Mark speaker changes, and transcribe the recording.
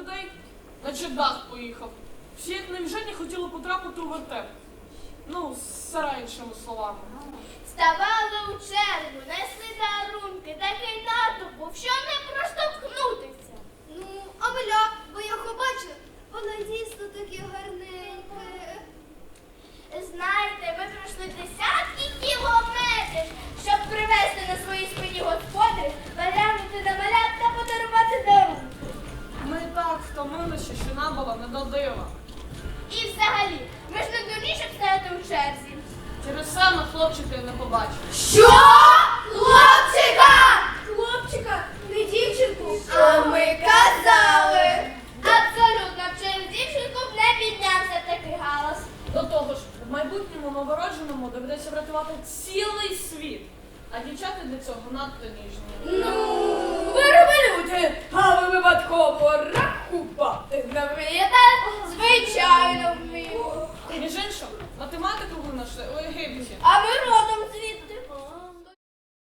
Speaker 1: людей, наче дах поїхав. Всі як навіжені хотіли потрапити у вертеп. Ну, з іншими словами.
Speaker 2: Ставали у чергу, несли дарунки, такий натовп був, що не проштовхнутися.
Speaker 3: Ну, а Миля, бо я його бачив, вона дійсно таке гарненьке.
Speaker 2: Знаєте, ми пройшли десятки кілометрів, щоб привезти на своїй спині господарів, поглянути на малят та подарувати дарунки.
Speaker 1: Ми і так втомилися, що нам було не до дива.
Speaker 2: І взагалі, ми ж не дурні, щоб стояти у черзі.
Speaker 1: Через це ми хлопчиків не побачили.
Speaker 3: Що? Хлопчика! Хлопчика, не дівчинку. А ми казали.
Speaker 2: Абсолютно, через дівчинку б не піднявся такий галас.
Speaker 1: До того ж, в майбутньому новородженому доведеться врятувати цілий світ. А дівчата для цього надто ніжні.
Speaker 3: Ну, вироби люди, а ви випадково рахувати не вмієте?
Speaker 2: Звичайно, вмію.
Speaker 1: Між іншим, математику винайшли у Єгипті.
Speaker 2: А ми